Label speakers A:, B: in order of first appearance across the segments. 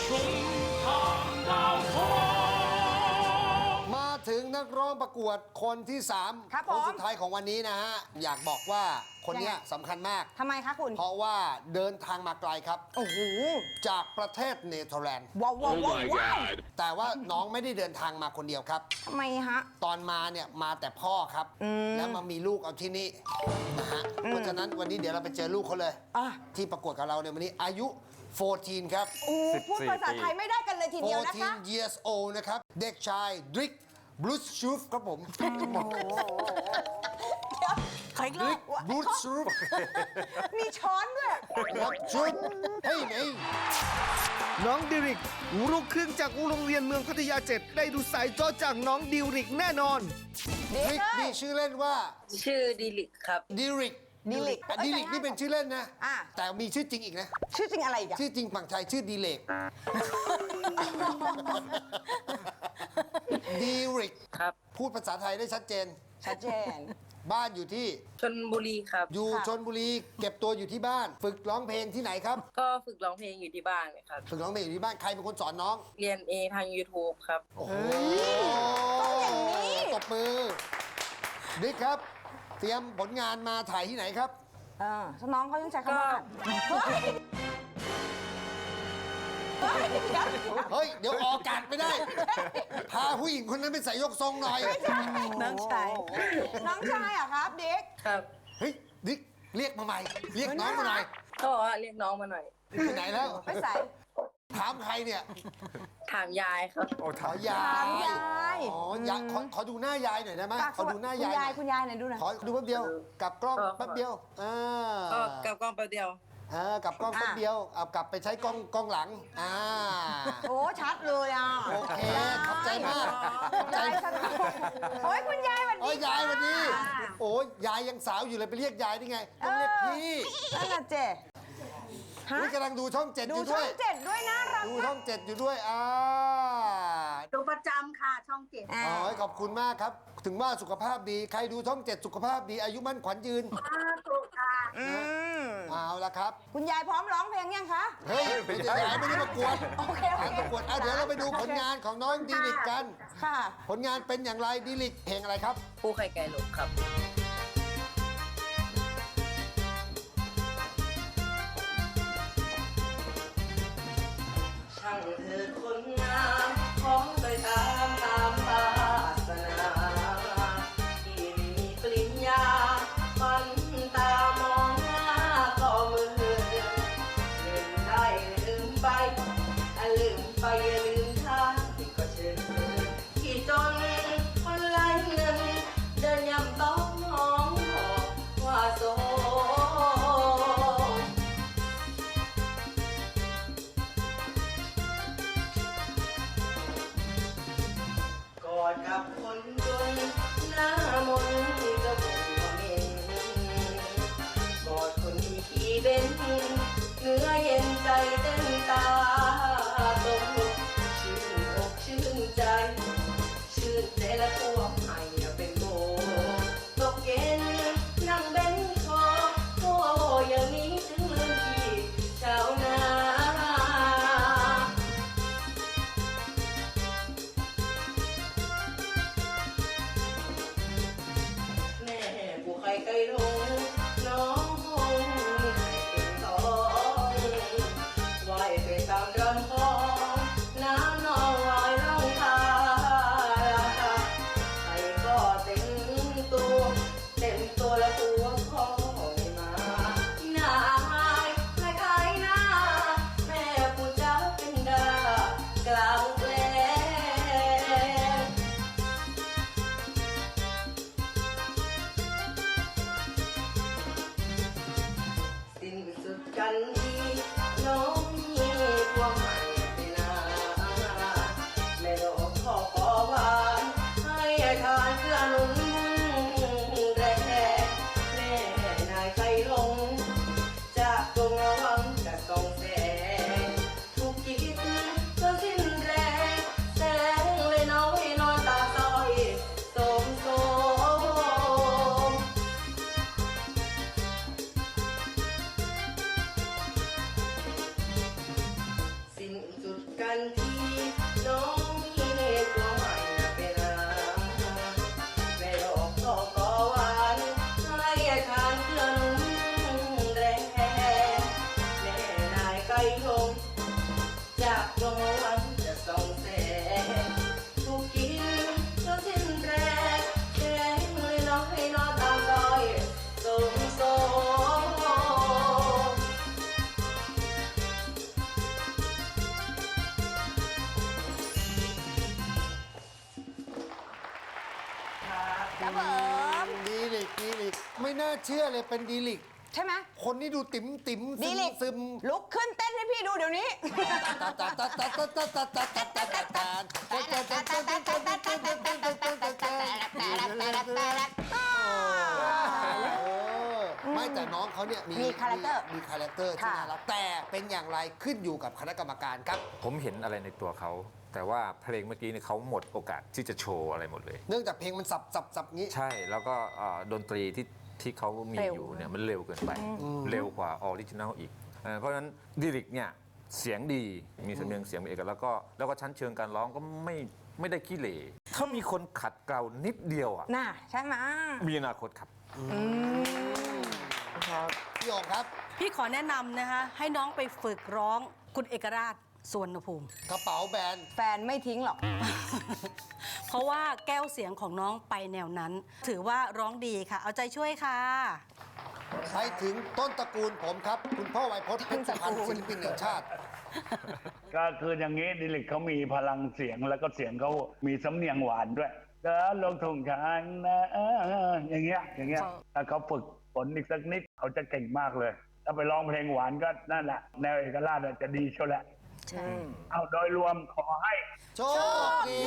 A: มาถึงนักร้องประกวดคนที่3
B: ครับ
A: คนสุดท้ายของวันนี้นะฮะ อยากบอกว่าคนเนี้ยสำคัญมาก
B: ทำไมคะคุณ
A: เพราะว่าเดินทางมาไกลครับ
B: โอ้โห
A: จากประเทศเนเธอร์แลนด์
B: ว้าวว้าวว้าวว้าว
A: แต่ว่าน้องไม่ได้เดินทางมาคนเดียวครับ
B: ทำไมฮะ
A: ตอนมาเนี่ยมาแต่พ่อครับ แล้วมามีลูกเอาที่นี่นะฮะ เพราะฉะนั้นวันนี้เดี๋ยวเราไปเจอลูกเขาเลย
B: อ่ะ
A: ที่ประกวดกับเราในวันนี้อายุ 14 ครับ
B: โอ้พูดภาษาไทยไม่ได้กันเลยทีเดียวนะคะ
A: 14 years old นะครับ เด็กชายดริกบลูชูฟครับผม
B: ใครก็
A: ดริกบลูชูฟ
B: มีช้อนด้วย
A: ครับชุดเฮ้ยนี่
C: น้องดิริกลูกครึ่งจากโรงเรียนเมืองพัทยา7ได้ดูสายจอจากน้องดิริกแน่นอน
B: เด็
A: ด
B: ก
A: ริก
B: เลย
A: นี่ชื่อเล่นว่า
D: ชื่อดิลิกครับ
A: ดิริก
B: ดิริก
A: ดิริกนี่เป็นชื่อเล่นนะ
B: อ่ะ
A: แต่มีชื่อจริงอีกนะ
B: ชื่อจริงอะไรอีกอะ
A: ชื่อจริงฝั่งไทยชื่อดีเลกดีริก
D: ครับ
A: พูดภาษาไทยได้ชัดเจน
B: ชัดเจน
A: บ้านอยู่ที่
D: ชนบุรีครับ
A: อยู่
B: ค่ะ
A: ชนบุรีเก็บตัวอยู่ที่บ้าน ฝึกร้องเพลงที่ไหนครับ
D: ก็ฝึกร้องเพลงอยู่ที่บ้านครับ
A: ฝึกร้องเพลงอยู่ที่บ้านใครเป็นคนสอนน้อง
D: เรียนเองทาง YouTube ครับ
A: โอ้โห
B: ต้องอย่างนี้
A: ตบมือดิกครับ เตรียมผลงานมาถ่ายที่ไหนครับ
B: น้องเขายังใช้คำว่าเฮ้ยเฮ้ยเดี๋ยว
A: เฮ้ย เดี๋ยวออกอากาศไม่ได้ พาผู้หญิงคนนั้นไปใส่ยกทรงหน่อย
B: น้องชายน้องชายเหรอะครับเด็ก
D: ครับ
A: เฮ้ยดิกเรียกมาใหม่ เรียกน้องมาหน่อย
D: ก็บอกว่าเรียกน้องมาหน่อย
A: ไปไหนแล้ว
B: ไปใส่
A: ถามใครเนี่ย
D: ถามยายครับ
A: ขอยา
B: ถาม
A: ย
B: ยาย
A: อ๋อยายขอดูหน้ายายหน่อยได้ไหมขอดูหน้ายายหน่อย
B: คุณยายหน่อยดูหน่อย
A: ขอดูแป๊บเดียวกลับกล้อง
D: ก็
A: แป๊บเดียว
D: ก็กลับกล้องแป๊บเดียว
A: กลับกล้องแป๊บเดียวเอากลับไปใช้กล้องหลัง
B: โอ้ชัดเลยอ่ะ
A: โอเคขอบใจมากขอบใจ
B: ยายชัดโอ้ยคุณยายสวัส
A: โอ้
B: ดี
A: ยยายวันนี้
B: ค่ะ
A: โอ้ยยายยังสาวอยู่เลยไปเรียกยายได้ไงต้องเรียกพี่
B: นั่นน่ะเจฮะ
A: นี่กำลังดูช่อง7
B: ดู
A: อยู่
B: ช่
A: ด้
B: อ
A: วย
B: ง7ด้วยนะรัก
A: ดู
B: มา
A: ช่อก ง7อยู่ด้วย
E: ดูประจำค่ะช่องเจ็ด
B: อ่า
A: ขอบคุณมากครับ ถึงว่าสุขภาพดี ใครดูช่อง7สุขภาพดี อายุมั่นขวัญยืน
E: ถูกค่ะ
A: เอาละครับ
B: คุณยายพร้อมร้องเพลงยังคะ
A: เฮ้ยไม่ได้ยายไม่ได้ประกวด
B: โอเคโอเค
A: การประกวดเดี๋ยวเราไปดูผลงานของน้องดีลิกกัน
B: ค่ะ
A: ผลงานเป็นอย่างไรดีลิกเพลงอะไรครับ
D: ผู้ไข่ไก่หลงครับ ช่างเธอคนงามของไปตามวาสนาที่มีปริญญาฝันตามองหน้าก็มือลืมได้ลืมไปลืมไปอย่าลืมทางที่ก็เชิญที่จนคนไร้เงินเดินยำต้องมองบอกว่าโสดกันทีน้องมีกลัวไม่เป็นไม่หลอกก็ก่อหวานให้ทานเกลือนุ่มแรงแม่นายไก่ทงจากดวงวันจะส่องแสงถูกกินจนสิ้นแรงแกงเลยน้องให้นอนตามรอยสมโซ
B: ครับผม
A: ดีลิกไม่น่าเชื่อเลยเป็นดีลิก
B: ใช่ไหม
A: คนนี้ดูติ๋ม
B: ดีลิก
A: ซึม
B: ลุกขึ้นเต้นให้พี่ดูเดี๋ยวนี้
A: ไม่แต่น้องเขาเนี่ย
B: มีคาแรคเตอร์
A: มีคาแรคเตอร์ที่
B: ค่ะ
A: น่ารักแต่เป็นอย่างไรขึ้นอยู่กับคณะกรรมการครับ
F: ผมเห็นอะไรในตัวเขา แต่ว่าเพลงเมื่อกี้เนี่ยเขาหมดโอกาสที่จะโชว์อะไรหมดเลย
A: เนื่องจากเพลงมันสับงี้
F: ใช่แล้วก็ดนตรีที่เขามีอยู่เนี่ยมันเร็วเกินไป เร็วกว่าออริจินัลอีกเพราะฉะนั้นดิริกเนี่ยเสียงดีมีสำเนียงเสียงเป็นเอกลักษณ์แล้วก็ชั้นเชิงการร้องก็ไม่ได้ขี้เหร่เขามีคนขัดเกลานิดเดียวอ่ะ
B: น่ะใช่ไหม
F: มีอนาคตครับ
A: พี่โองครับ
G: พี่ขอแนะนำนะคะให้น้องไปฝึกร้องคุณเอกราชสวนภูมิ
A: กระเป๋าแบรนด์
B: แฟนไม่ทิ้งหรอก
G: เพราะว่าแก้วเสียงของน้องไปแนวนั้น ถือว่าร้องดีค่ะ เอาใจช่วยค่ะ
A: ไปถึงต้นตระกูลผมครับ คุณพ่อไวยพจน์เพชรสุพรรณศิลปินแห่งชาติ
H: ก็คืออย่างนี้ดิลิกเขามีพลังเสียงแล้วก็เสียงเขามีสำเนียงหวานด้วยแล้วลงทงช้างนะอย่างเงี้ยถ้าเขาฝึกฝนอีกสักนิดเขาจะเก่งมากเลย ถ้าไปร้องเพลงหวานก็นั่นแหละแนวเอกราชจะดีเชียวแหละ
G: ใช่
H: เอาโดยรวมขอให้
A: โชคดี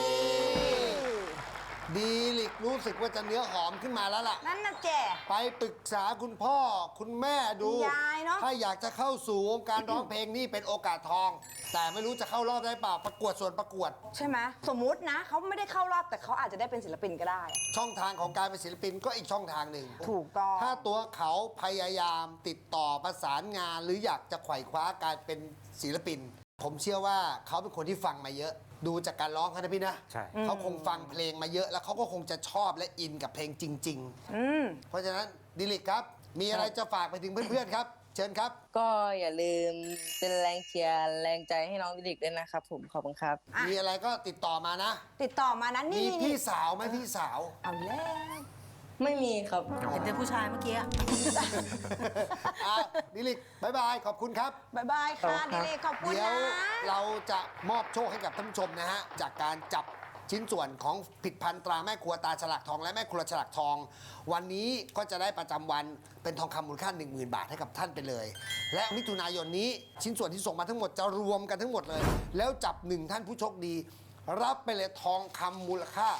A: ดีลิกรู้สึกว่าจะเนื้อหอมขึ้นมาแล้วล่ะ
B: นั่นนะแจ
A: ไปปรึกษาคุณพ่อคุณแม่ดู
B: คุณยายเนอะ
A: ถ้าอยากจะเข้าสู่วงการร้องเพลงนี่เป็นโอกาสทอง แต่ไม่รู้จะเข้ารอบได้เปล่าประกวดส่วนประกวด
B: ใช่ไหมสมมุตินะเขาไม่ได้เข้ารอบแต่เขาอาจจะได้เป็นศิลปินก็ได้
A: ช่องทางของการเป็นศิลปินก็อีกช่องทางหนึ่ง
B: ถูกต้อง
A: ถ้าตัวเขาพยายามติดต่อประสานงาน หรืออยากจะไขว่คว้าการเป็นศิลปิน ผมเชื่อว่าเขาเป็นคนที่ฟังมาเยอะ ดูจากการร้องเขานะพี่นะ
F: ใช่
A: เขาคงฟังเพลงมาเยอะ แล้วเขาก็คงจะชอบและอินกับเพลงจริง ๆ เพราะฉะนั้นดิลิกครับ มีอะไรจะฝากไปถึงเพื่อนๆครับ เชิญครับ
I: ก็อย่าลืมเป็นแรงเชียร์แรงใจให้น้องดิลิกด้วยนะครับผมขอบคุณครับ
B: อ่ะ
A: มีอะไรก็ติดต่อมานะ
B: ติดต่อมานั้น
A: มี
B: นี่
A: พี่สาวไหมพี่สาว
B: เอาแล้ว
I: ไม่มีครับ
G: เห็นแต่ผู้ชายเมื่อกี้
A: อ่ะดิลิกบายบาย ขอบคุณครับ
B: บายบายค่ะดิเลกขอบคุณ
A: เดี๋ยว
B: นะ
A: เราจะมอบโชคให้กับท่านผู้ชมนะฮะ จากการจับชิ้นส่วนของผลิตภัณฑ์ตราแม่ครัวตาฉลากทองและแม่ครัวฉลากทอง วันนี้ก็จะได้ประจำวันเป็นทองคำมูลค่า 10,000 บาทให้กับท่านไปเลย และมิถุนายนนี้ชิ้นส่วนที่ส่งมาทั้งหมดจะรวมกันทั้งหมดเลย แล้วจับ1ท่านผู้โชคดี รับไปเลยทองคำมูลค่า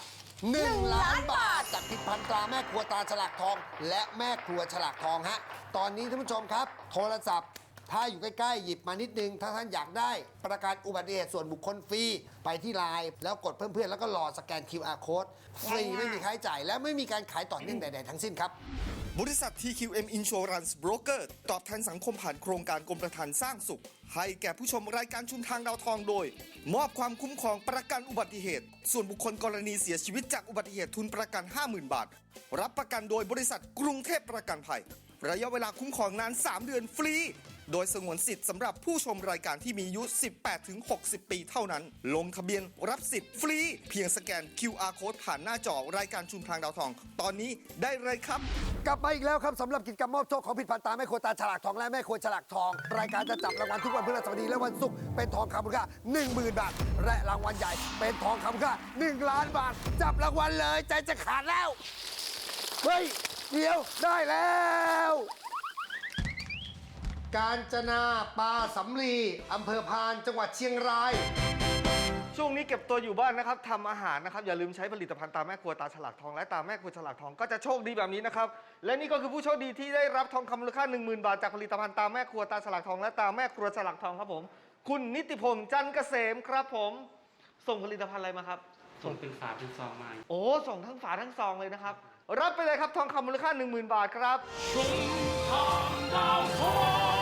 A: 1 ล้านบาท จากผลิตภัณฑ์ตราแม่ครัวตาฉลากทอง และแม่ครัวฉลากทองฮะตอนนี้ท่านผู้ชมครับ โทรศัพท์ถ้าอยู่ใกล้ๆ หยิบมานิดนึง ถ้าท่านอยากได้ประกันอุบัติเหตุส่วนบุคคลฟรี ไปที่ไลน์แล้วกดเพื่อนๆ แล้วก็รอสแกน QR code ฟรีไม่มีค่าใช้จ่าย และไม่มีการขายต่อเนื่องใดๆทั้งสิ้นครับ
C: บริษัท TQM Insurance Broker ตอบแทนสังคมผ่านโครงการกรมประทานสร้างสุข ให้แก่ผู้ชมรายการชุมทางดาวทองโดย มอบความคุ้มครองประกันอุบัติเหตุ ส่วนบุคคลกรณีเสียชีวิตจากอุบัติเหตุทุนประกัน 50,000 บาท รับประกันโดยบริษัทกรุงเทพประกันภัย ระยะเวลาคุ้มครองนาน 3 เดือนฟรี โดยสงวนสิทธิ์สำหรับผู้ชมรายการที่มีอายุ 18-60 ปีเท่านั้น ลงทะเบียนรับสิทธิ์ฟรี เพียงสแกน QR Code ผ่านหน้าจอรายการชุมทางดาวทอง ตอนนี้ได้เลยครับ
A: กลับมาอีกแล้วครับสำหรับกิจกรรมมอบโชคของผลิตภัณฑ์ตาแม่ครัวตาฉลากทองและแม่ครัวฉลากทอง รายการจะจับรางวัลทุกวันพฤหัสบดีและวันศุกร์เป็นทองคำมูลค่า 10,000 บาท และรางวัลใหญ่เป็นทองคำมูลค่า 1 ล้านบาท จับรางวัลเลยใจจะขาดแล้วเฮ้ยเดี๋ยวได้แล้ว กาญจนาปาสำลีอำเภอพานจังหวัดเชียงราย
J: ช่วงนี้เก็บตัวอยู่บ้านนะครับทำอาหารนะครับอย่าลืมใช้ผลิตภัณฑ์ตาแม่ครัวตาฉลากทองและตาแม่ครัวฉลากทองก็จะโชคดีแบบนี้นะครับและนี่ก็คือผู้โชคดีที่ได้รับทองคำมูลค่า 10,000 บาทจากผลิตภัณฑ์ตาแม่ครัวตาฉลากทองและตาแม่ครัวฉลากทองครับผมคุณนิติพลจันทร์เกษมครับผมส่งผลิตภัณฑ์อะไรมาครับส่งเป็นฝาเป็นซองมาโอ้ส่งทั้งฝาทั้งซองเลยนะครับรับไปเลยครับทองคำมูลค่า 10,000 บาทครับชุมทางดาวทอง